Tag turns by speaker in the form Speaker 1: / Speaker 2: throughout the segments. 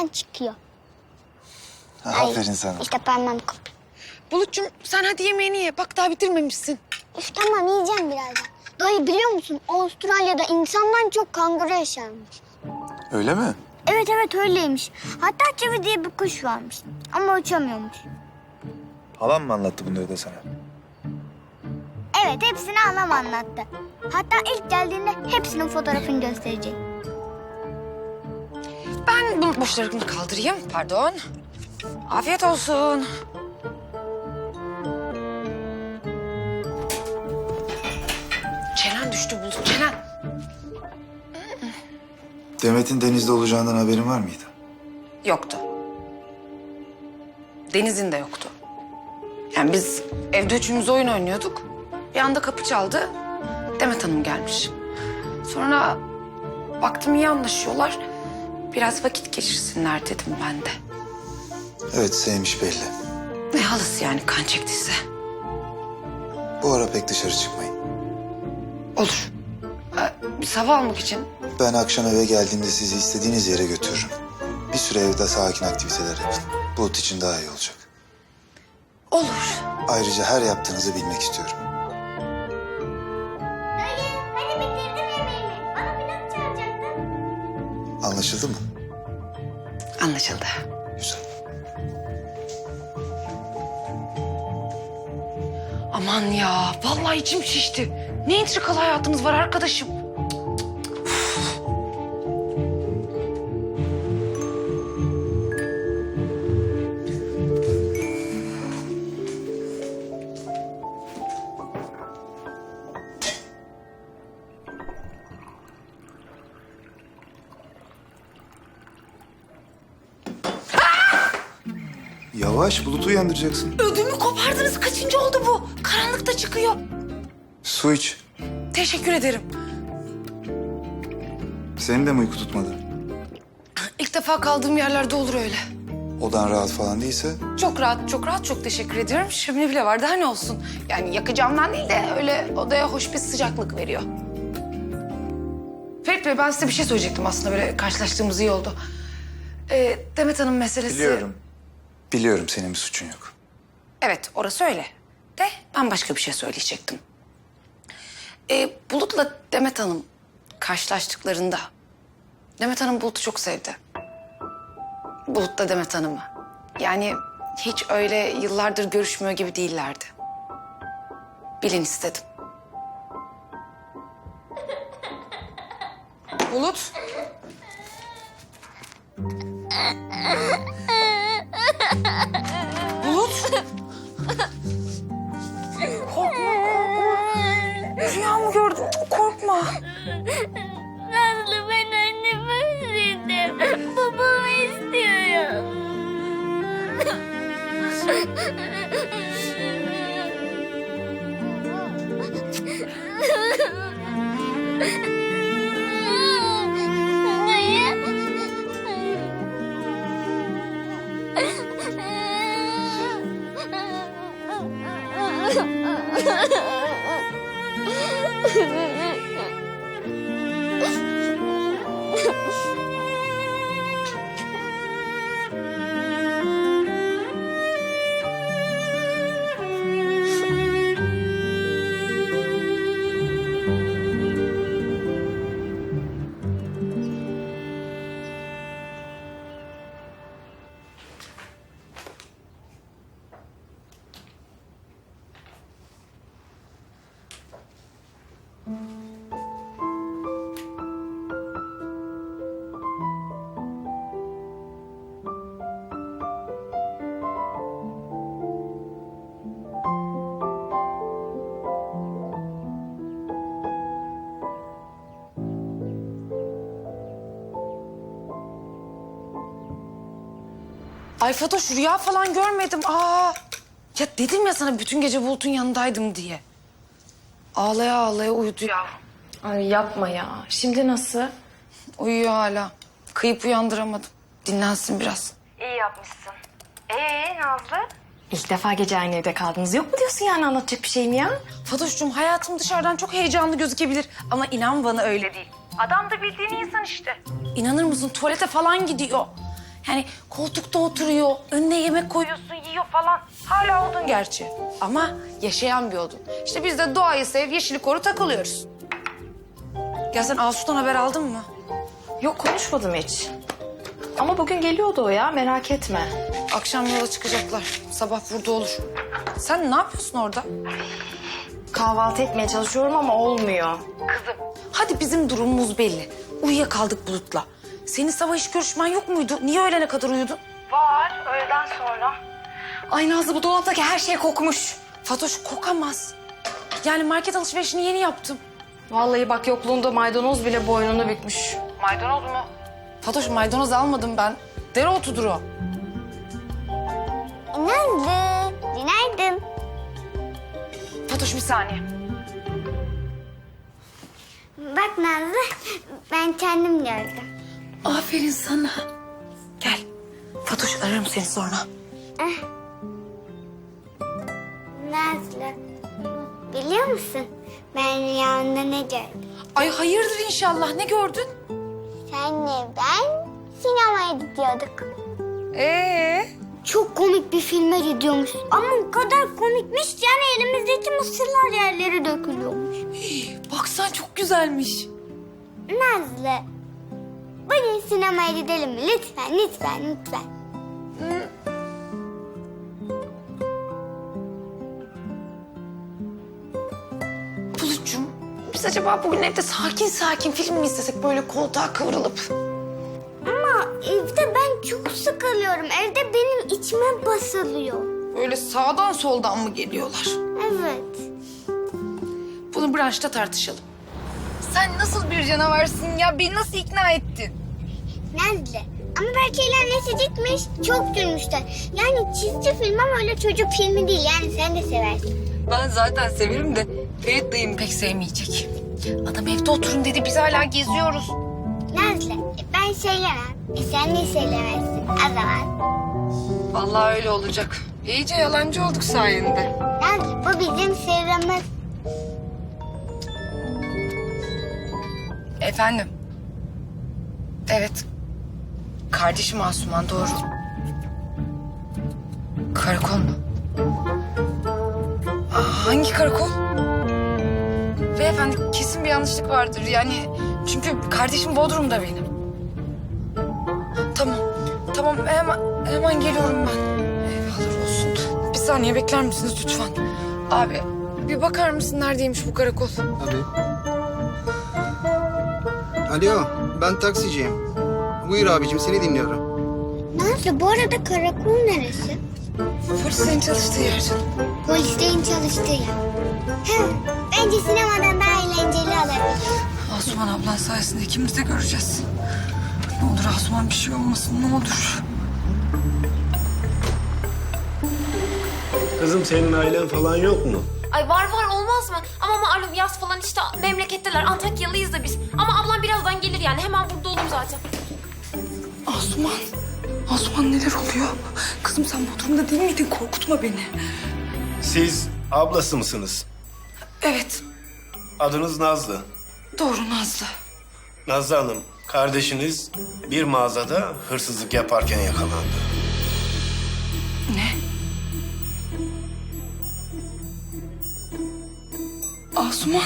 Speaker 1: hemen çıkıyor.
Speaker 2: Aferin sana.
Speaker 1: İşte parmağım koptu.
Speaker 3: Bulut'cum sen hadi yemeğini ye. Bak daha bitirmemişsin.
Speaker 1: Üf tamam yiyeceğim birazdan. Dayı biliyor musun Avustralya'da insandan çok kanguru yaşarmış.
Speaker 2: Öyle mi?
Speaker 1: Evet evet öyleymiş. Hatta çivi diye bir kuş varmış. Ama uçamıyormuş.
Speaker 2: Halam mı anlattı bunları da sana?
Speaker 1: Evet hepsini anam anlattı. Hatta ilk geldiğinde hepsinin fotoğrafını gösterecek.
Speaker 3: Ben bu boşlarını kaldırayım. Pardon. Afiyet olsun. Çenen düştü Bulut. Çenen.
Speaker 2: Demet'in denizde olacağından haberin var mıydı?
Speaker 3: Yoktu. Deniz'in de yoktu. Yani biz evde üçümüz oyun oynuyorduk. Bir anda kapı çaldı. Demet Hanım gelmiş. Sonra baktım iyi anlaşıyorlar. Biraz vakit geçirsinler dedim ben de.
Speaker 2: Evet, sevmiş belli.
Speaker 3: Ne halısı yani kan çektiyse.
Speaker 2: Bu ara pek dışarı çıkmayın.
Speaker 3: Olur. Biz hava almak için.
Speaker 2: Ben akşam eve geldiğimde sizi istediğiniz yere götürürüm. Bir süre evde sakin aktiviteler yapın. Bulut için daha iyi olacak.
Speaker 3: Olur.
Speaker 2: Ayrıca her yaptığınızı bilmek istiyorum.
Speaker 1: Dayı hadi bitirdim yemeğimi. Bana pilot çağıracaktın.
Speaker 2: Anlaşıldı mı?
Speaker 3: Anlaşıldı.
Speaker 2: Güzel.
Speaker 3: Aman ya, vallahi içim şişti. Ne entrikalı hayatımız var arkadaşım.
Speaker 2: Yavaş, Bulut'u uyandıracaksın.
Speaker 3: Ödümü kopardınız. Kaçıncı oldu bu? Karanlıkta çıkıyor.
Speaker 2: Su iç.
Speaker 3: Teşekkür ederim.
Speaker 2: Senin de mi uyku tutmadı?
Speaker 3: İlk defa kaldığım yerlerde olur öyle.
Speaker 2: Odan rahat falan değilse
Speaker 3: Çok rahat, çok rahat. Çok teşekkür ediyorum. Şömine bile var. Daha ne olsun? Yani yakacağımdan değil de öyle odaya hoş bir sıcaklık veriyor. Ferit Bey, ben size bir şey söyleyecektim aslında. Böyle karşılaştığımız iyi oldu. Demet Hanım meselesi...
Speaker 2: biliyorum. Biliyorum, senin bir suçun yok.
Speaker 3: Evet, orası öyle. De ben başka bir şey söyleyecektim. Bulut'la Demet Hanım karşılaştıklarında... Demet Hanım Bulut'u çok sevdi. Bulut da Demet Hanım'ı. Yani hiç öyle yıllardır görüşmüyor gibi değillerdi. Bilin istedim. Bulut. Bulut. Korkma, korkma. Rüya mı gördün? Korkma.
Speaker 1: Nazlı ben annemi özledim. Babamı istiyorum. Dayı.
Speaker 3: Ay Fatoş, rüya falan görmedim. Aa. Ya dedim ya sana bütün gece Bulut'un yanındaydım diye. Ağlaya ağlaya uyudu ya.
Speaker 4: Ay yapma ya. Şimdi nasıl?
Speaker 3: Uyuyor hala. Kıyıp uyandıramadım. Dinlensin biraz.
Speaker 4: İyi yapmışsın. Nazlı? İlk defa gece aynı evde kaldınız. Yok mu diyorsun yani anlatacak bir şeyim ya?
Speaker 3: Fatoş'cum, hayatım dışarıdan çok heyecanlı gözükebilir. Ama inan bana öyle değil. Adam da bildiğin insan işte. İnanır mısın, tuvalete falan gidiyor. Yani koltukta oturuyor, önüne yemek koyuyorsun, yiyor falan. Hala odun gerçi. Ama yaşayan bir odun. İşte biz de doğayı sev, yeşili koru takılıyoruz. Ya sen Asu'dan haber aldın mı?
Speaker 4: Yok konuşmadım hiç. Ama bugün geliyordu o ya merak etme.
Speaker 3: Akşam yola çıkacaklar. Sabah burada olur. Sen ne yapıyorsun orada?
Speaker 4: Kahvaltı etmeye çalışıyorum ama olmuyor.
Speaker 3: Hadi bizim durumumuz belli. Uyuyakaldık Bulut'la. Senin sabah iş görüşmen yok muydu? Niye öğlene kadar uyudun?
Speaker 4: Var öğleden sonra. Ay Nazlı bu dolaptaki her şey kokmuş.
Speaker 3: Fatoş kokamaz. Yani market alışverişini yeni yaptım.
Speaker 4: Vallahi bak yokluğunda maydanoz bile boynunu bükmüş.
Speaker 3: Maydanoz mu? Fatoş maydanoz almadım ben. Dereotudur o.
Speaker 1: Nazlı, günaydın.
Speaker 3: Fatoş bir saniye.
Speaker 1: Bak Nazlı, ben kendim gördüm.
Speaker 3: Aferin sana. Gel. Fatoş ararım seni sonra.
Speaker 1: Nazlı, biliyor musun? Ben rüyamda ne gördüm?
Speaker 3: Ay hayırdır inşallah. Ne gördün?
Speaker 1: Senle ben sinemaya gidiyorduk. Çok komik bir filme gidiyormuş. Ama o kadar komikmiş ki yani elimizdeki mısırlar yerlere dökülüyormuş.
Speaker 3: Bak sen çok güzelmiş.
Speaker 1: Nazlı, bugün sinemaya gidelim mi? Lütfen, lütfen, lütfen.
Speaker 3: Bulut'cum biz acaba bugün evde sakin sakin film mi izlesek böyle koltuğa kıvrılıp?
Speaker 1: Ama evde ben çok sıkılıyorum. Evde benim içime basılıyor.
Speaker 3: Böyle sağdan soldan mı geliyorlar?
Speaker 1: Evet.
Speaker 3: Bunu branşta tartışalım. Sen nasıl bir canavarsın ya? Beni nasıl ikna ettin?
Speaker 1: Nazlı, ama belki annesi gitmiş, çok gülmüşler. Yani çizgi film ama öyle çocuk filmi değil. Yani sen de seversin.
Speaker 3: Ben zaten severim de Ferit dayım pek sevmeyecek. Adam evde oturun dedi, biz hala geziyoruz.
Speaker 1: Nazlı, ben söylemem. Sen de söylemezsin. O zaman.
Speaker 3: Vallahi öyle olacak. İyice yalancı olduk sayende.
Speaker 1: Nazlı, bu bizim sırrımız.
Speaker 3: Efendim? Evet. Kardeşim Asuman, doğru. Karakol mu? Hangi karakol? Beyefendi kesin bir yanlışlık vardır. Yani çünkü kardeşim Bodrum'da benim. Tamam. Tamam hemen geliyorum ben. Eyvallah olsun. Bir saniye bekler misiniz lütfen? Abi bir bakar mısın neredeymiş bu karakol?
Speaker 5: Tabii. Alo, ben taksiciyim. Buyur abicim, seni dinliyorum.
Speaker 1: Nazlı, bu arada karakol neresi?
Speaker 3: Polisin çalıştığı yer canım.
Speaker 1: Polislerin çalıştığı yer. Bence sinemadan daha eğlenceli olabilir.
Speaker 3: Asuman ablan sayesinde ikimiz de göreceğiz. Ne olur Asuman bir şey olmasın ne olur.
Speaker 6: Kızım senin ailen falan yok mu?
Speaker 7: Ay var olmaz mı? Ama malum yaz falan işte memleketteler. Antakyalıyız da biz. Ama ablam birazdan gelir yani. Hemen burada olur zaten.
Speaker 3: Asuman neler oluyor? Kızım sen Bodrum'da değil miydin? Korkutma beni.
Speaker 6: Siz ablası mısınız?
Speaker 3: Evet
Speaker 6: Adınız Nazlı.
Speaker 3: doğru Nazlı.
Speaker 6: Nazlı Hanım, kardeşiniz bir mağazada hırsızlık yaparken yakalandı.
Speaker 3: Ne? Asuman.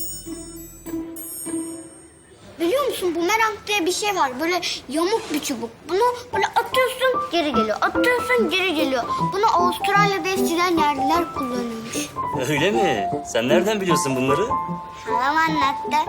Speaker 1: Biliyor musun, bumerang diye bir şey var. Böyle yamuk bir çubuk. Bunu böyle atıyorsun geri geliyor. Atıyorsun geri geliyor. Bunu Avustralya'da eskiden yerliler kullanıyormuş.
Speaker 8: Öyle mi? Sen nereden biliyorsun bunları?
Speaker 1: Halam anlattı.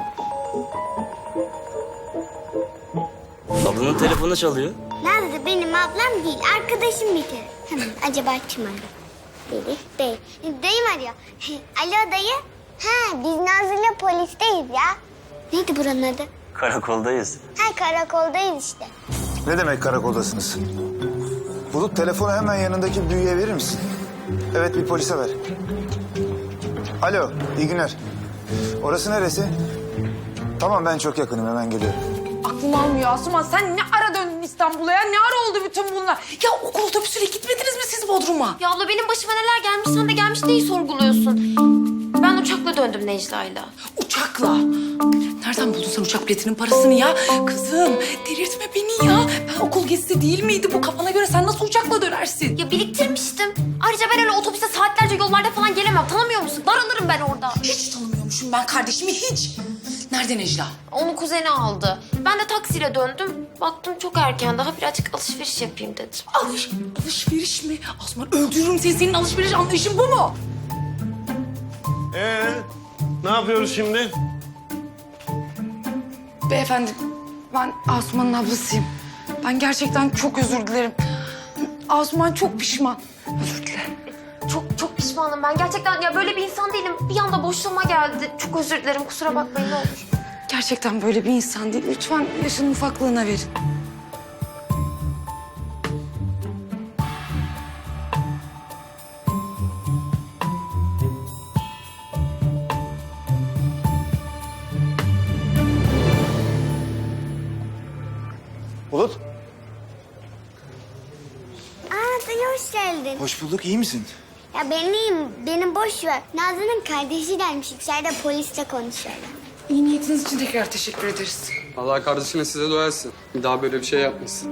Speaker 8: Ablanın telefonu çalıyor.
Speaker 1: Nazlı benim ablam değil, arkadaşım bir kere. Acaba kim arıyor? Değil. Dayım arıyor. Alo dayı. Biz Nazlı'yla polisteyiz ya. Neydi buranın adı?
Speaker 8: Karakoldayız.
Speaker 1: Karakoldayız işte.
Speaker 2: Ne demek karakoldasınız? Bulut telefonu hemen yanındaki büyüye verir misin? Evet bir polise ver. Alo iyi günler. Orası neresi? Tamam ben çok yakınım hemen geliyorum.
Speaker 3: Aklım almıyor Asuman. Sen ne ara döndün İstanbul'a ya? Ne ara oldu bütün bunlar? Ya okul otobüsüyle gitmediniz mi siz Bodrum'a?
Speaker 7: Ya abla benim başıma neler gelmiş. Sen de gelmiş neyi sorguluyorsun? Ben uçakla döndüm Necla'yla.
Speaker 3: Uçakla.
Speaker 9: nereden buldun sen uçak biletinin parasını ya? Kızım delirtme beni ya. Ben okul gezisi değil miydi bu? Kafana göre sen nasıl uçakla dönersin?
Speaker 7: Ya biriktirmiştim. Ayrıca ben öyle otobüste saatlerce yollarda falan gelemem. Tanımıyor musun? Daralırım ben orada.
Speaker 9: Hiç tanımıyormuşum ben kardeşimi hiç. Nerede Necla?
Speaker 7: Onu kuzeni aldı. Ben de taksiyle döndüm. Baktım çok erken. Daha birazcık alışveriş yapayım dedim.
Speaker 9: Alışveriş mi? Asuman öldürürüm seni. Senin alışveriş anlayışın bu mu?
Speaker 6: Ne yapıyoruz şimdi?
Speaker 3: Beyefendi, ben Asuman'ın ablasıyım. Ben gerçekten çok özür dilerim. Asuman çok pişman. Özür dilerim.
Speaker 7: Çok pişmanım ben. Gerçekten ya böyle bir insan değilim. Bir anda boşluğuma geldi. Çok özür dilerim. Kusura bakmayın ne olur.
Speaker 3: Gerçekten böyle bir insan değil. Lütfen yaşının ufaklığına verin.
Speaker 2: Bulut.
Speaker 1: Dayı hoş geldin.
Speaker 2: Hoş bulduk. İyi misin?
Speaker 1: Ya ben iyiyim. Benim boş ver. Nazlı'nın kardeşi gelmiş. İçeride polisle konuşuyorlar.
Speaker 3: İyi niyetiniz için tekrar teşekkür ederiz.
Speaker 10: Allah kardeşine size doyarsın. Bir daha böyle bir şey yapmasın.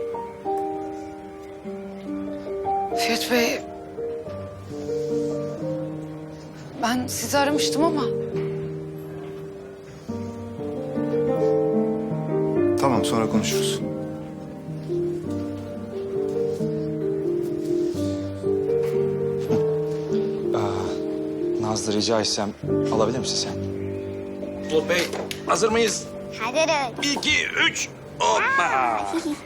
Speaker 3: Ferit Bey, ben sizi aramıştım ama
Speaker 2: Tamam, sonra konuşuruz. Nazlı, rica etsem alabilir misin sen?
Speaker 6: Bulut Bey, hazır mıyız?
Speaker 1: Hadi.
Speaker 6: 1, 2, 3. Hoppa!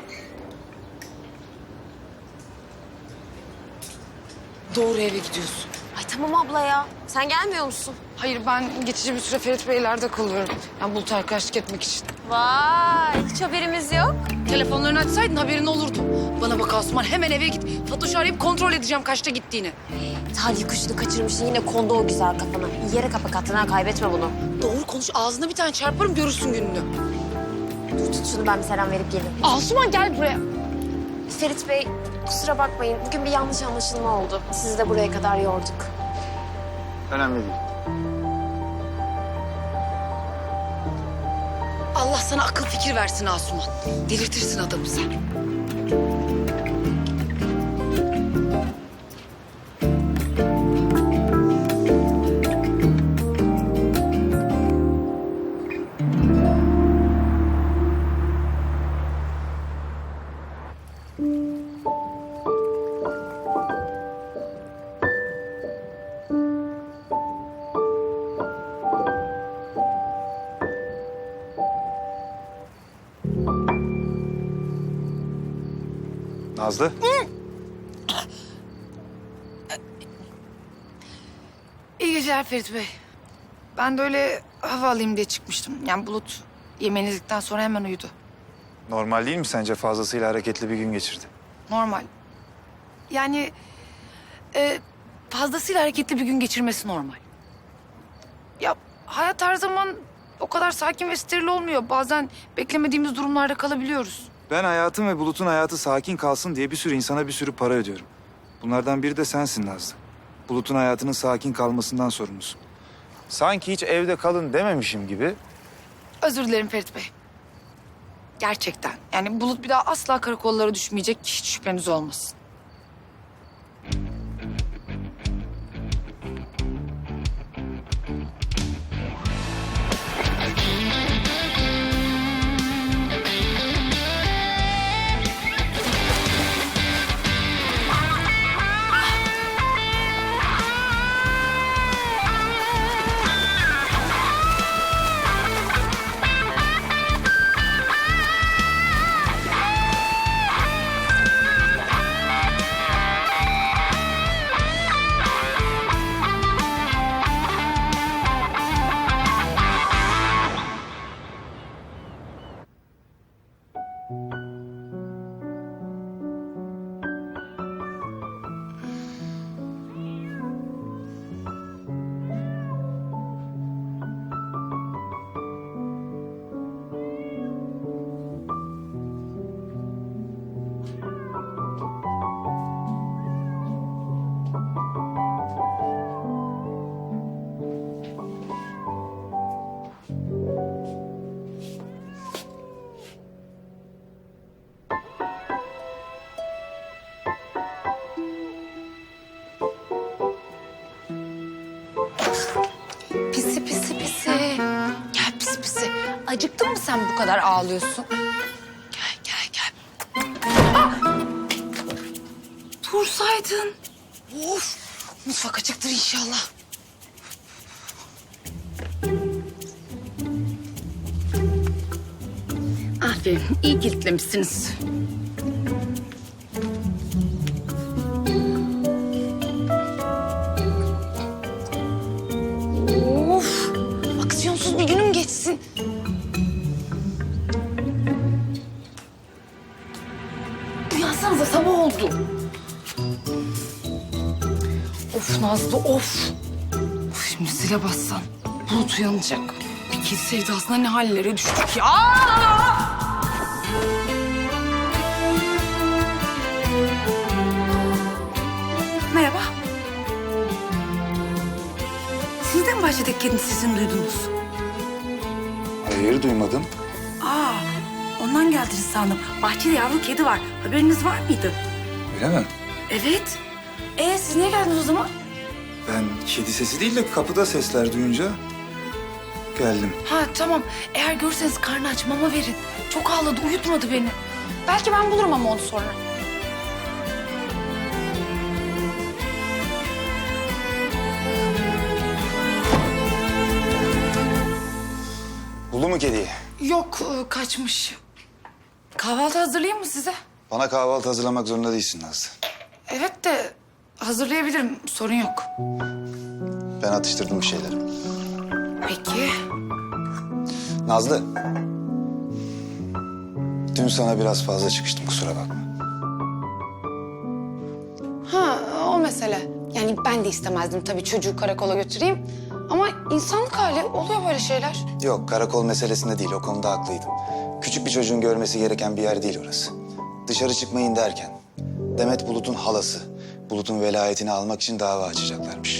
Speaker 3: doğru eve gidiyorsun.
Speaker 7: Ay tamam abla ya. Sen gelmiyor musun?
Speaker 3: Hayır, ben geçici bir süre Ferit Beyler'de kalıyorum. Ben Bulut'a arkadaşlık etmek için.
Speaker 7: Vay hiç haberimiz yok.
Speaker 9: Telefonlarını açsaydın haberin olurdu. Bana bak Asuman hemen eve git. Fatoş'u arayıp kontrol edeceğim kaçta gittiğini.
Speaker 7: Talih kuşunu kaçırmışsın yine kondu o güzel kafana. Yere kapak attın ha kaybetme bunu.
Speaker 9: Doğru konuş ağzına bir tane çarparım görürsün gününü.
Speaker 7: Dur tut şunu ben bir selam verip geleyim.
Speaker 9: Asuman gel buraya.
Speaker 7: Ferit Bey kusura bakmayın. Bugün bir yanlış anlaşılma oldu. Sizi de buraya kadar yorduk.
Speaker 2: Önemli değil.
Speaker 9: Allah sana akıl fikir versin Asuman. Delirtirsin adamı sen.
Speaker 2: Nazlı.
Speaker 3: İyi geceler Ferit Bey. Ben de öyle hava alayım diye çıkmıştım. Yani Bulut yemeğini yedikten sonra hemen uyudu.
Speaker 2: Normal değil mi sence? Fazlasıyla hareketli bir gün geçirdi.
Speaker 3: Normal. Yani fazlasıyla hareketli bir gün geçirmesi normal. Ya hayat her zaman o kadar sakin ve steril olmuyor. Bazen beklemediğimiz durumlarda kalabiliyoruz.
Speaker 2: Ben hayatım ve Bulut'un hayatı sakin kalsın diye bir sürü insana bir sürü para ödüyorum. Bunlardan biri de sensin Nazlı. Bulut'un hayatının sakin kalmasından sorumlusun. Sanki hiç evde kalın dememişim gibi.
Speaker 3: Özür dilerim Ferit Bey. Gerçekten. Yani Bulut bir daha asla karakollara düşmeyecek. Hiç şüpheniz olmasın. sen bu kadar ağlıyorsun? Gel.
Speaker 9: Dursaydın.
Speaker 3: Of, mutfak açıktır inşallah. Aferin, iyi kilitlemişsiniz. Of, aksiyonsuz bir günüm geçsin. Uyansanıza, sabah oldu. Of Nazlı, of. Şimdi zile bassan Bulut uyanacak. Bir kez sevdasına ne hallere düştük ya. Merhaba. Siz de mi bahçedeki kedinin sesini duydunuz?
Speaker 2: Hayır, duymadım.
Speaker 9: Ondan geldiniz sandım. Bahçede yavru kedi var. Haberiniz var mıydı?
Speaker 2: Öyle mi?
Speaker 9: Evet. Siz niye geldiniz o zaman?
Speaker 2: Ben kedi sesi değil de kapıda sesler duyunca geldim.
Speaker 9: Ha tamam. Eğer görürseniz karnı aç, mama verin. Çok ağladı, uyutmadı beni. Belki ben bulurum ama onu sonra.
Speaker 2: Buldu mu kediyi?
Speaker 9: Yok, kaçmış. Kahvaltı hazırlayayım mı size?
Speaker 2: Bana kahvaltı hazırlamak zorunda değilsin Nazlı.
Speaker 9: Evet de hazırlayabilirim, sorun yok.
Speaker 2: Ben atıştırdım bir şeyler.
Speaker 9: Peki.
Speaker 2: Nazlı. Dün sana biraz fazla çıkıştım, kusura bakma.
Speaker 3: Ha, o mesele. Yani ben de istemezdim tabii çocuğu karakola götüreyim. Ama insanlık hali, oluyor böyle şeyler.
Speaker 2: Yok, karakol meselesinde değil, o konuda haklıydım. Küçük bir çocuğun görmesi gereken bir yer değil orası. Dışarı çıkmayın derken Demet Bulut'un halası, Bulut'un velayetini almak için dava açacaklarmış.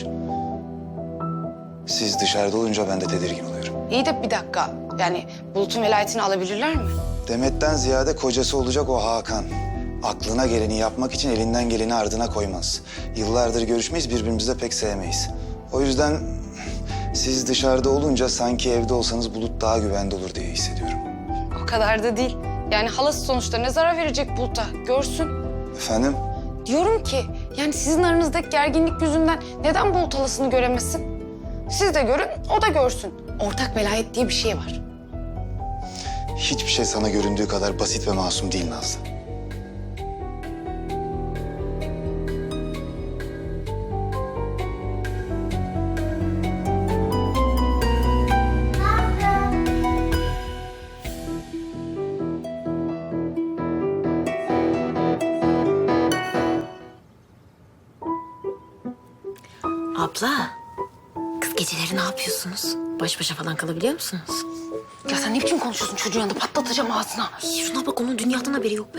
Speaker 2: Siz dışarıda olunca ben de tedirgin oluyorum.
Speaker 3: İyi de bir dakika. Yani Bulut'un velayetini alabilirler mi?
Speaker 2: Demet'ten ziyade kocası olacak o Hakan. Aklına geleni yapmak için elinden geleni ardına koymaz. Yıllardır görüşmeyiz, birbirimizi de pek sevmeyiz. O yüzden siz dışarıda olunca sanki evde olsanız Bulut daha güvende olur diye hissediyorum.
Speaker 3: O kadar da değil. Yani halası sonuçta ne zarar verecek Bulut'a? Görsün.
Speaker 2: Efendim?
Speaker 3: Diyorum ki yani sizin aranızdaki gerginlik yüzünden neden Bulut halasını göremesin? Siz de görün, o da görsün. Ortak velayet diye bir şey var.
Speaker 2: Hiçbir şey sana göründüğü kadar basit ve masum değil Nazlı.
Speaker 4: Abla, kız geceleri ne yapıyorsunuz? Baş başa falan kalabiliyor musunuz?
Speaker 3: Ya sen ne biçim konuşuyorsun çocuğun yanında? Patlatacağım ağzına.
Speaker 4: Ay, şuna bak, onun dünyadan haberi yok be.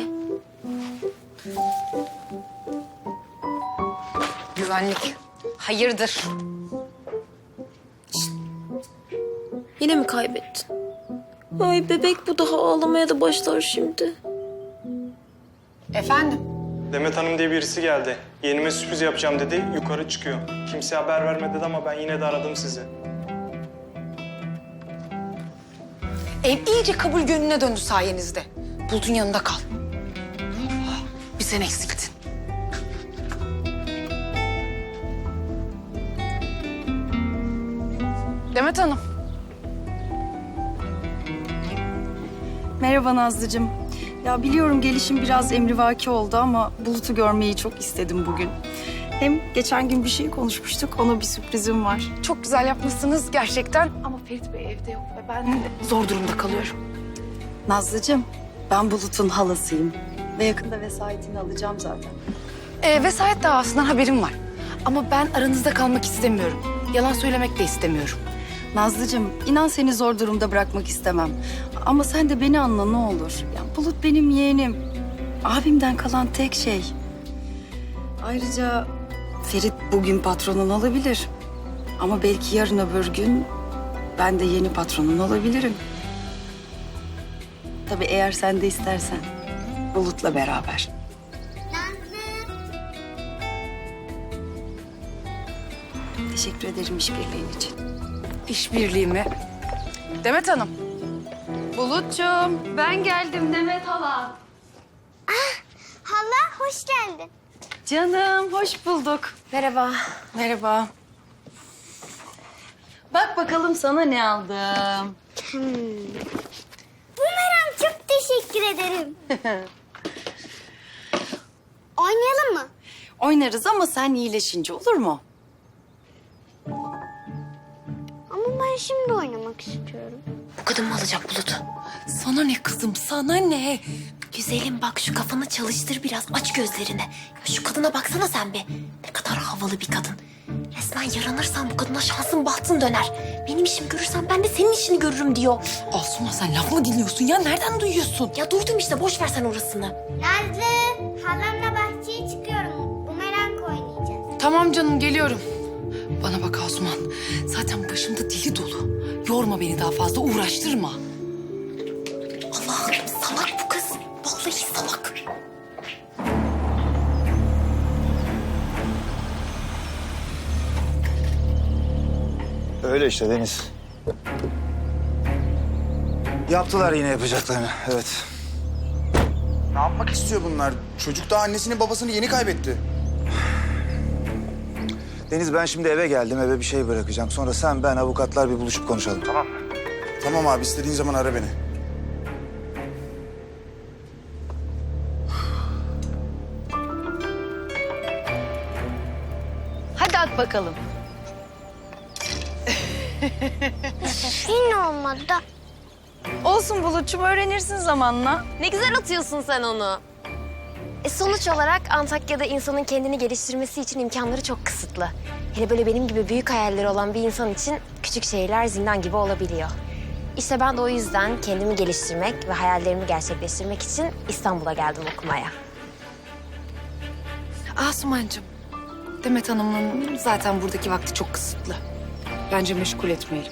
Speaker 3: Güvenlik. Hayırdır?
Speaker 4: Yine mi kaybettin? Ay bebek, bu daha ağlamaya da başlar şimdi.
Speaker 3: Efendim?
Speaker 11: Demet Hanım diye birisi geldi. Yeğenime sürpriz yapacağım dedi, yukarı çıkıyor. Kimseye haber verme dedi ama ben yine de aradım sizi.
Speaker 3: Ev iyice kabul gönlüne döndü sayenizde. Bulut'un yanında kal. Bir sen eksiltin. Demet Hanım.
Speaker 12: Merhaba Nazlıcığım. Ya biliyorum gelişim biraz emrivaki oldu ama Bulut'u görmeyi çok istedim bugün. Hem geçen gün bir şey konuşmuştuk, ona bir sürprizim var.
Speaker 3: Çok güzel yapmışsınız gerçekten. Ama Ferit Bey evde yok ve ben de zor durumda kalıyorum.
Speaker 12: Nazlıcığım, ben Bulut'un halasıyım. Ve yakında vesayetini alacağım zaten.
Speaker 3: Vesayet davasından haberim var. Ama ben aranızda kalmak istemiyorum. Yalan söylemek de istemiyorum.
Speaker 12: Nazlıcığım, inan seni zor durumda bırakmak istemem. Ama sen de beni anla ne olur. Ya Bulut benim yeğenim. Abimden kalan tek şey. Ayrıca Ferit bugün patronun olabilir. Ama belki yarın öbür gün ben de yeni patronun olabilirim. Tabii eğer sen de istersen. Bulut'la beraber. Teşekkür ederim işbirliğin için.
Speaker 3: İşbirliği mi? Demet Hanım,
Speaker 12: Bulut'cum ben geldim Demet hala.
Speaker 1: Hala hoş geldin.
Speaker 12: Canım hoş bulduk.
Speaker 4: Merhaba.
Speaker 12: Merhaba. Bak bakalım sana ne aldım.
Speaker 1: Bumerang, çok teşekkür ederim. Oynayalım mı?
Speaker 12: Oynarız ama sen iyileşince olur mu?
Speaker 1: Ama ben şimdi oynamak istiyorum.
Speaker 7: Bu kadın mı alacak Bulut?
Speaker 9: Sana ne kızım, sana ne?
Speaker 7: Güzelim bak şu kafanı çalıştır biraz. Aç gözlerini. Ya şu kadına baksana sen be. Ne kadar havalı bir kadın. Resmen yaranırsan bu kadına şansın bahtın döner. Benim işimi görürsen ben de senin işini görürüm diyor.
Speaker 9: Asuman sen laf mı dinliyorsun ya? Nereden duyuyorsun?
Speaker 7: Ya duydum işte boş ver sen orasını.
Speaker 1: Nazlı, halamla bahçeye çıkıyorum. Bumerang oynayacağız.
Speaker 9: Tamam canım, geliyorum. Bana bak Asuman, zaten başımda dili dolu. Yorma beni daha fazla, uğraştırma.
Speaker 7: Allah'ım salak bu kız. Vallahi salak.
Speaker 2: Öyle işte Deniz. Yaptılar yine yapacaklarını, evet.
Speaker 5: Ne yapmak istiyor bunlar? Çocuk da annesini babasını yeni kaybetti.
Speaker 2: Deniz, ben şimdi eve geldim, eve bir şey bırakacağım. Sonra sen, ben, avukatlar bir buluşup konuşalım, tamam mı?
Speaker 5: Tamam abi, istediğin zaman ara beni.
Speaker 12: Hadi at bakalım.
Speaker 1: Yine olmadı da.
Speaker 12: Olsun Bulut'cum öğrenirsin zamanla.
Speaker 7: Ne güzel atıyorsun sen onu. Sonuç olarak Antakya'da insanın kendini geliştirmesi için imkanları çok kısıtlı. Hele böyle benim gibi büyük hayalleri olan bir insan için küçük şehirler zindan gibi olabiliyor. İşte ben de o yüzden kendimi geliştirmek ve hayallerimi gerçekleştirmek için İstanbul'a geldim okumaya.
Speaker 9: Asumancığım, Demet Hanım'ın zaten buradaki vakti çok kısıtlı. Bence meşgul etmeyelim.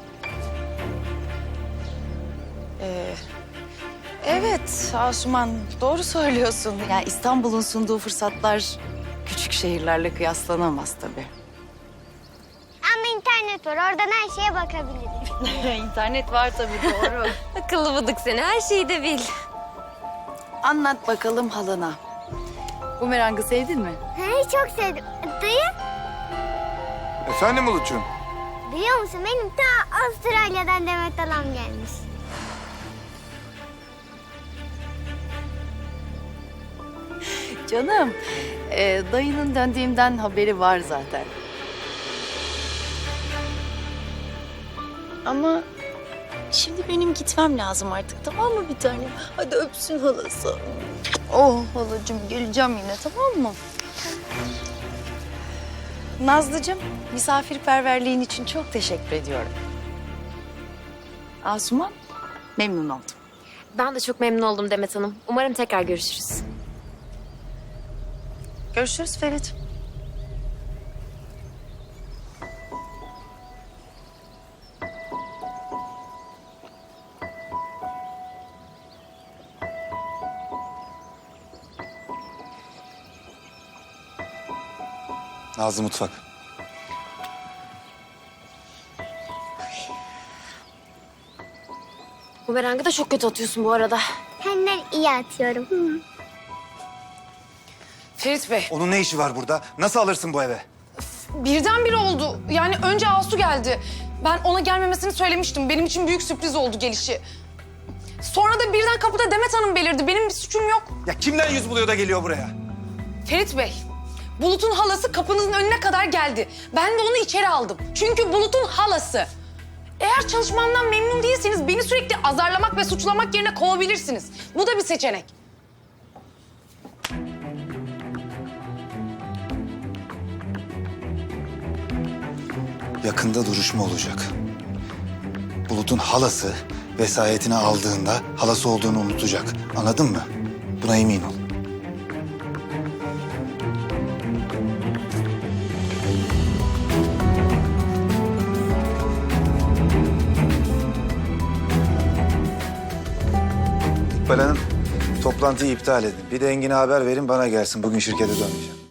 Speaker 12: Evet Asuman doğru söylüyorsun. Yani İstanbul'un sunduğu fırsatlar küçük şehirlerle kıyaslanamaz tabii.
Speaker 1: Ama internet var, oradan her şeye bakabilirim.
Speaker 12: İnternet var tabii doğru.
Speaker 7: Akıllı bıdık seni, her şeyi de bil.
Speaker 12: Anlat bakalım halana. Bumerang'ı sevdin mi?
Speaker 1: He, çok sevdim. Dayı,
Speaker 2: Efendim Bulut'cuğum?
Speaker 1: biliyor musun benim ta Avustralya'dan Demet halam gelmiş.
Speaker 12: Canım, dayının döndüğümden haberi var zaten. Ama şimdi benim gitmem lazım artık, tamam mı bir tanem? Hadi öpsün halası. Oh halacığım, geleceğim yine, tamam mı? Nazlıcığım, misafirperverliğin için çok teşekkür ediyorum. Asuman, memnun oldum.
Speaker 7: Ben de çok memnun oldum Demet Hanım. Umarım tekrar görüşürüz.
Speaker 12: Görüşürüz Ferit.
Speaker 2: Nazlı mutfak.
Speaker 7: Bumerang'ı da çok kötü atıyorsun bu arada.
Speaker 1: Senden iyi atıyorum.
Speaker 9: Ferit Bey,
Speaker 2: Onun ne işi var burada? Nasıl alırsın bu eve?
Speaker 9: birdenbire oldu. Yani önce Asu geldi. Ben ona gelmemesini söylemiştim. Benim için büyük sürpriz oldu gelişi. Sonra da birden kapıda Demet Hanım belirdi. Benim bir suçum yok.
Speaker 2: Ya kimden yüz buluyor da geliyor buraya?
Speaker 9: Ferit Bey, Bulut'un halası kapınızın önüne kadar geldi. Ben de onu içeri aldım. Çünkü Bulut'un halası. Eğer çalışmamdan memnun değilseniz beni sürekli azarlamak ve suçlamak yerine kovabilirsiniz. Bu da bir seçenek.
Speaker 2: Yakında duruşma olacak. Bulut'un halası vesayetini aldığında halası olduğunu unutacak. Anladın mı? Buna emin ol. İkbal Hanım, toplantıyı iptal edin. Bir de Engin'e haber verin, bana gelsin. Bugün şirkete dönmeyeceğim.